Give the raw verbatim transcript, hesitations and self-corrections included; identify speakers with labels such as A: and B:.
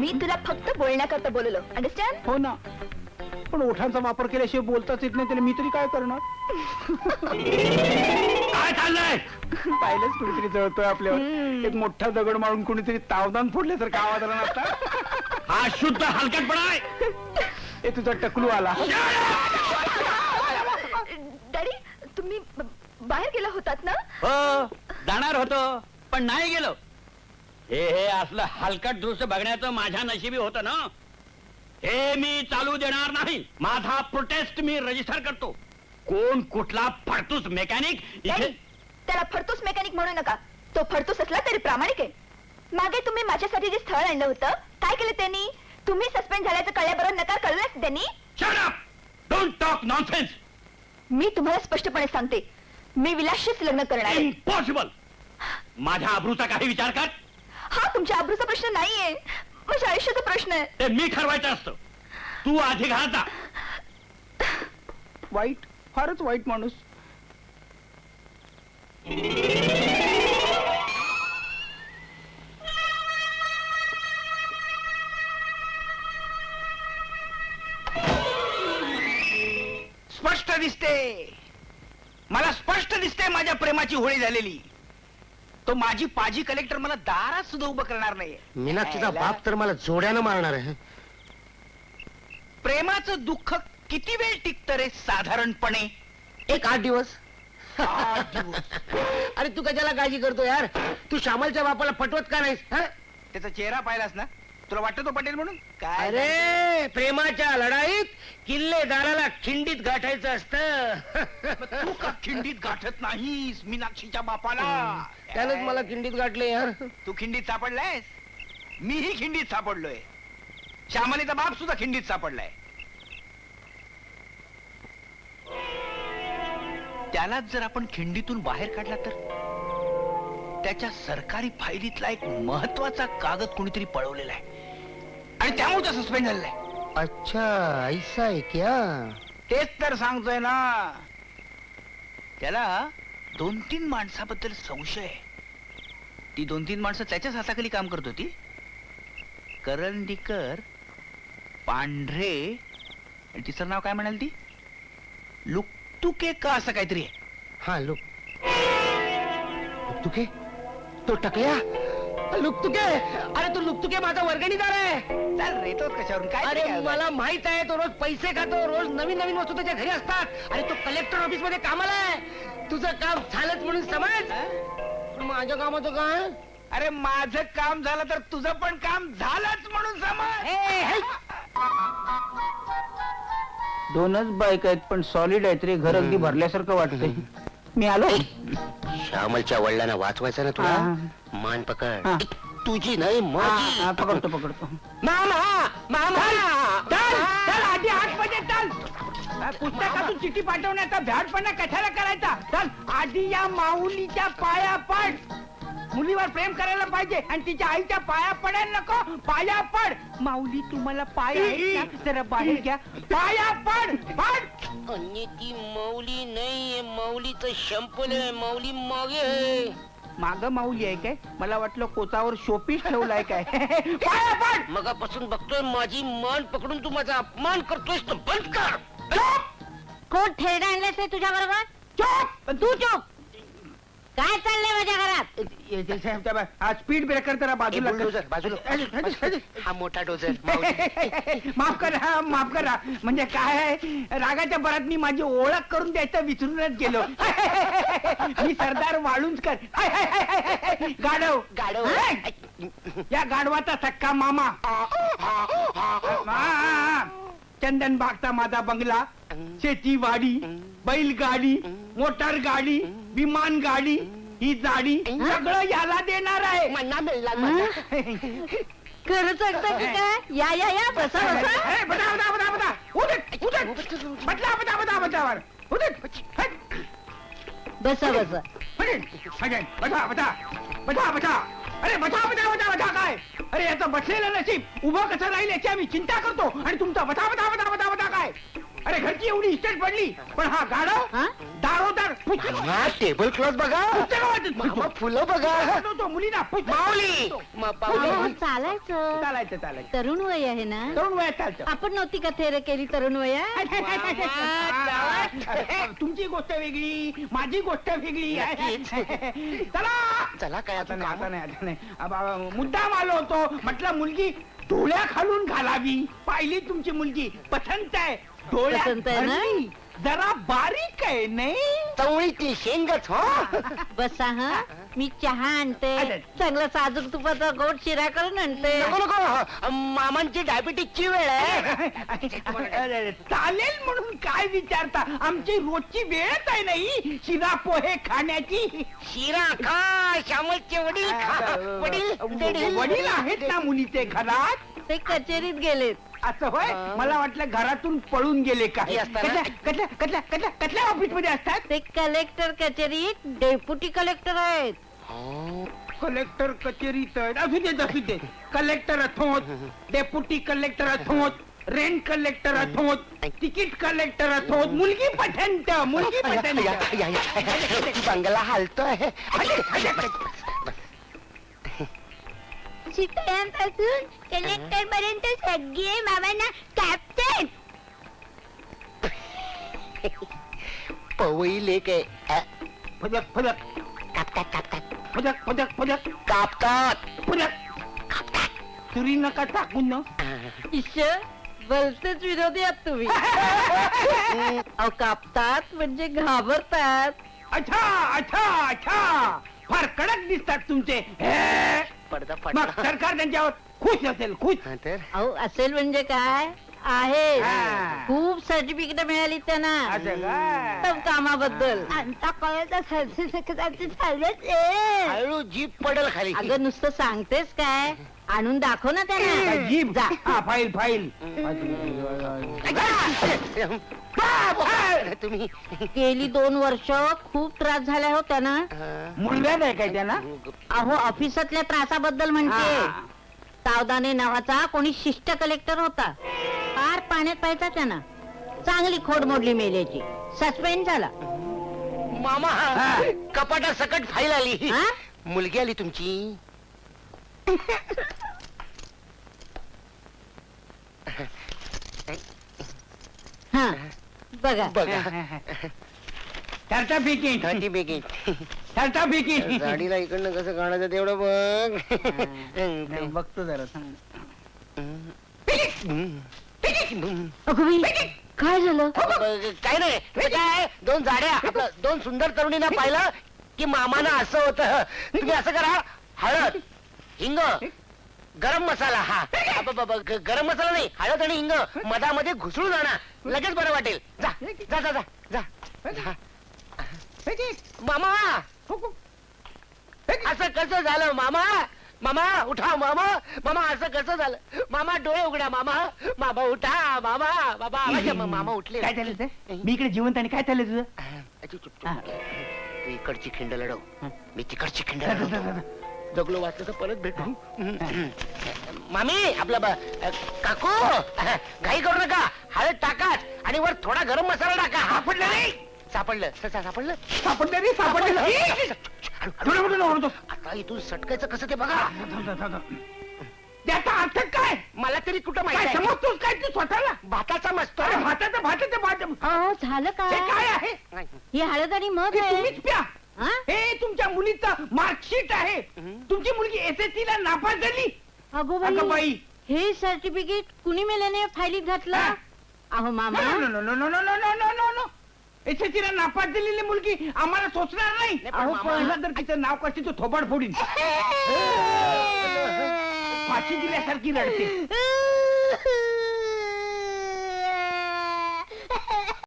A: मी तुला फक्त बोलण्याकरता बोललो, अंडरस्टँड?
B: हो ना, पण ओठांचा वापर केल्याशिवाय बोलताच येत नाही, त्याला मी तरी काय करणार?
C: काय चाललंय?
B: पाहिलंच कुणीतरी जळतोय आपल्यावर. एक मोठा दगड मारून कुणीतरी तावदान फोडले तर का आवाज आला नसता?
C: हा शुद्ध हलकटपणा आहे.
B: हे तुझा टकलू आला.
A: डॅडी, तुम्ही ब- बाहेर गेला होतात ना?
C: हो, जाणार होतो पण नाही गेलो. हे हे असलं हलकट दृश्य बघण्याचं माझ्या नशिबी होतं ना. हे मी चालू देणार नाही. माझा प्रोटेस्ट मी रजिस्टर करतो. कोण कुठला फडतूस मेकॅनिक
A: डॅडी,
C: इथे.
A: त्याला फडतूस मेकॅनिक म्हणू नका. तो फडतूस असला तरी प्रामाणिक आहे. मागे तुम्ही माझ्यासाठी जे स्थळ आणलं होतं, काय केलं त्यांनी? तुम्ही सस्पेंड झाल्याचं कळल्याबरोबर नकार कळलाच त्यांनी.
C: Shut up! Don't talk nonsense!
A: मी तुम्हाला स्पष्टपणे सांगते, मी विलासशीच लग्न करणार आहे.
C: इम्पॉसिबल. माझ्या आबरूचा काही विचार कर.
A: हा तुमच्या आबरूचा प्रश्न नाहीये, माझ्या आयुष्याचा प्रश्न आहे.
C: ते मी ठरवायचं असतं. तू आधी घरात जा.
B: वाईट, फारच वाईट माणूस.
D: स्पष्ट दिसते, मला स्पष्ट दिसते माझ्या प्रेमाची होळी झालेली. तो माझी पाजी कलेक्टर मला दारात सुद्धा उभं करणार नाही.
E: मीनाक्षीचा बाप तर मला जोड्यानं मारणार आहे.
D: प्रेमाचं दुःख किती वेळ टिकतं रे साधारणपणे?
E: एक आठ दिवस.
D: आठ दिवस.
E: अरे तू कशाला काळजी करतो यार? तू श्यामलच्या बापाला पटवत का नाहीस? हं?
D: त्याचा चेहरा पाहिलास ना, तुला वाटतं तो पटेल म्हणून? काय
E: अरे प्रेमाच्या लढाईत किल्लेदाराला खिंडीत गाठायचं असतं.
D: तू का खिंडीत गाठत नाहीस मीनाक्षीच्या बापाला?
E: त्यानंच मला खिंडीत गाठले यार.
D: तू खिंडीत सापडलायस, मीही खिंडीत सापडलोय. श्यामलीचा बाप सुद्धा खिंडीत सापडलाय. त्यालाच जर आपण खिंडीतून बाहेर काढला तर त्याच्या सरकारी फायलीतला एक महत्वाचा कागद कोणीतरी पळवलेला आहे आणि त्यामुळे तो सस्पेंड झालेला आहे.
E: अच्छा ऐसा है क्या?
D: तेच तर सांगतोय ना. त्याला दोन तीन माणसाबद्दल संशय आहे. ती दोन तीन माणसं त्याच्याच हाताखाली काम करत होती. करंदीकर, पांढरे आणि तिचं नाव काय म्हणाल ती? लुकतुके का असं काहीतरी आहे.
E: हा लुक लुकतुके, तो टकल्या लुकतुके. अरे तू लुकतुके माझा वर्गणीदार आहे.
D: चाल रे, तोच कशावरून काय?
E: अरे
D: काय
E: मला माहित आहे, तो रोज पैसे खातो, रोज नवीन नवीन वस्तू त्याच्या घरी असतात. आणि तो कलेक्टर ऑफिस मध्ये कामाला आहे. तुझं काम झालंच म्हणून समज. पण माझ्या कामाचं काय?
D: अरे माझं काम झालं तर तुझं पण काम झालंच म्हणून समज.
B: दोनच बाईक आहेत पण सॉलिड आहेत रे. घर अगदी भरल्यासारखं वाटतंय. मी आलो.
E: श्यामलच्या वडिलांना वाचवायचं ना तुला. मान
B: हा.
E: पकड. तुझी नाही
B: हा,
E: माझी.
B: हा, पकडतो पकडतो.
E: मामा मामा
B: चल चल आधी आतमध्ये चल. पुस्तकातून चिठी पाठवण्याचा भ्याडपणा कशाला करायचा? चल आधी या माऊलीच्या पाया पड. मुलीवर प्रेम करायला पाहिजे आणि तिच्या आईच्या पाया पडायला नको. पाया पड. माऊली तुम्हाला पाय आहेत ना? जरा बाहेर घ्या. पाया पड पड.
E: आणि ती मौली नाहीये, मौलीचं शंपल आहे. मौली मागे आहे.
B: माग माऊली आहे काय? मला वाटलं कोचावर शोपीस ठेवलाय काय. पाया पड.
E: मगापासून बघतोय माझी मान पकडून तू माझा अपमान करतोयस तर बंद कर.
F: कोण थेरडा आणलेस तुझ्या बरोबर?
B: चुप. तू चुप.
F: काय चाललंय माझ्या घरात?
B: हा स्पीड ब्रेकर जरा बाजूला कर.
E: डोजर बाजूला. हा मोठा डोजर.
B: माफ करा माफ करा. म्हणजे काय आहे, रागाच्या भरात मी माझी ओळख करून द्यायचं विसरूनच गेलो. मी सरदार वाळुंजकर. गाढव
E: गाढव.
B: या गाढवाचा सक्का मामा. हा. चंदन बागचा माझा बंगला, शेती वाडी, बैलगाडी, मोटार गाडी, विमान गाडी, ही जाडी सगळं याला देणार आहे.
E: मन्ना मिळला मला.
F: खरं सांगता की काय? या या या बसा बसा.
B: ए, बता बता बता बता. उदट उदट. बदला बता बता बता. उदट.
F: बसा बसा.
B: बता बता बता बता. अरे बता बता बता बता काय? अरे याचं बसलेलं नशीब उभं कसं राहील याची आम्ही चिंता करतो आणि तुमचा बता बता बता बता बता काय? अरे घरची एवढी इस्टेट पडली पण हा गाडव
F: हा?
B: दारोदार पुस्तकं
E: मामा टेबल क्लॉथ बघा
B: पुस्तकं वाचत
E: मामा
B: फिरतो.
E: फुलं बघा
B: तो- तो मुलींना पुस्तकं
E: माऊली
B: वाचतो.
E: म-
F: अहो,
E: पाऊली.
F: चालायचं
B: चालायचं चालायचं
F: तरुण वय आहे ना
B: तरुण वयात चालतं
F: आपण नव्हती का थेर केली तरुण वयात
B: तुमची गोष्ट वेगळी माझी गोष्ट वेगळी आहे चला
E: चला काय
B: आता
E: आता
B: नाही आता
E: कामं?
B: नाही आता नाही अब- अब- मुद्दाम आलो होतो म्हटलं मुलगी डोळ्या खालून घालावी पाहिली तुमची मुलगी पसंत आहे डोळ्या
F: पसंत आहे ना?
B: भरली. जरा बारीक आहे नाही
E: चवळीतली शेंगच हो
F: बसा हा मी चहा आणते
B: अरे.
F: चांगला साजूक तुपाचा गोड शिरा करून आणते
E: नको नको मामांची डायबिटीसची वेळ आहे
B: अरे, चालेल म्हणून काय विचारता आमची रोजची वेळच आहे नाही शिरा पोहे खाण्याची
E: शिरा खा श्यामलचे वडील खा वडील वडील.
B: वडील आहेत ना मुलीचे घरात
F: ते कचेरीत गेलेत
B: असं होय
E: हा.
B: मला वाटलं घरातून पळून गेले काय
E: हे असताना?
B: कसल्या कसल्या कसल्या कसल्या कसल्या ऑफिस मध्ये असतात
F: ते कलेक्टर कचेरीत डेप्युटी कलेक्टर आहेत
B: कलेक्टर कचेरीत आहेत. असू दे असू दे कलेक्टर अथोत डेप्युटी कलेक्टर अथोत रेंट कलेक्टर अथोत तिकीट कलेक्टर अथोत मुलगी पठंत मुलगी पठंत
E: या, या, या. बंगला हालतोय
A: शिकण्यापासून कलेक्टर पर्यंत सगळे मामांना कॅप्टन
E: पवई लेक आहे अ,
B: फदक फदक
E: कापतात कापतात
B: फदक फदक फदक
E: कापतात
B: फदक सुरी नका टाकून न
F: ईश्वर भलतेच विरोधी आहात तुम्ही अहो कापतात म्हणजे घाबरतात
B: अच्छा अच्छा अच्छा फार कडक दिसतात तुमचे हे.
E: पडदा
B: मग
E: पडदा
B: सरकार त्यांच्यावर खुश असेल खुश
E: हा तर
F: अहो असेल म्हणजे काय आहे
B: हा.
F: खूप सर्टिफिकेट मिळाली त्यांना
B: असं काय?
F: सब कामाबद्दल
A: आमचा कळत चालत
E: हळू जीप पडल खाली
F: अगं नुसतं सांगतेस काय आणून दाखव ना
B: काय
F: त्यांना
B: जीभ
F: जा
B: हा फाईल फाईल
E: तुम्ही
F: गेली दोन वर्ष खूप त्रास झाला हो त्यांना
B: मुलगा आहे काय त्यांना
F: अहो ऑफिसातल्या त्रासाबद्दल म्हणते
B: हा.
F: सावधाने नावाचा कोणी शिष्ट कलेक्टर होता फार पाण्यात पाहायचा त्यांना चांगली खोड मोडली मेल्याची सस्पेंड झाला
E: मामा
B: हा.
E: कपाटा सकट फाईल आली
F: हा?
E: मुलगी आली तुमची
F: हा बघा
E: बघा
B: सर्टिफिकेट
E: थर्टी बेगी
B: सर्टिफिकेट
E: गाडीला इकडनं कसं काढायचं तेवढं बघ
B: बघतो जरा सांग
F: अगं बाई, काय झालं
E: काय नाही ते काय दोन जाड्या आपलं दोन सुंदर तरुणींना पाहिलं की मामाना असं होतं तुम्ही असं करा हळद हिंग गरम मसाला हा अबबब, ग- गरम मसाला नाही हळद आणि हिंग मधामध्ये घुसळून आणा लगेच बरं वाटेल जा जा जा जा जा जा. मामा असं कसं झालं मामा मामा उठा मामा मामा असं कसं झालं मामा डोळे उघडा मामा मामा उठा मामा बाबा आवाज आहे, मामा उठले
B: काय झालं ते मी इकडे जिवंत आणि काय चाललंय तुझं
E: अच्छा, चुप, चुप. तू इकडची खिंड लढव मी तिकडची खिंड लढवतो जगलो वाचलं तर परत भेटू मामी आपला ब- काकू घाई करू नका हळद टाकाच आणि वर थोडा गरम मसाला टाका
B: सापडलं नाही
E: सापडलं स- स- सापडलं
B: सापडलं नाही सापडलं नाही. थोडं मोठं ओरडतो.
E: आता इथून सटकायचं कसं ते बघा
B: त्याचा अर्थ काय
E: मला तरी कुठं
B: काय
E: माहिती आहे?
B: समजतोस काय तू स्वतःला
E: भाताचा मस्त
B: अरे भाताचं भाताचं भात
F: अहो झालं
B: हे काय
F: काय
B: आहे
F: ही हळद आणि मध
B: हे
F: आहे
B: तुम्हीच प्या
F: हा?
B: हे तुमच्या मुलीचं मार्कशीट आहे
E: हं.
B: तुमची मुलगी एस एस सी ला नापास झाली
F: अगो
B: अगं
F: बाई
B: बाई
F: हे सर्टिफिकेट कुणी मेल्याने फाईलीत घातलं
B: हा?
F: अहो मामा
B: no no no no no no no no no no S S C ला नापास झालेली मुलगी आम्हाला सोचणार नाही
E: नाही, पण
B: अहो
E: मामा-
B: पहिला जर तिचं नाव कशी तो थोबाड फोडीन फाशी दिल्यासारखी रडते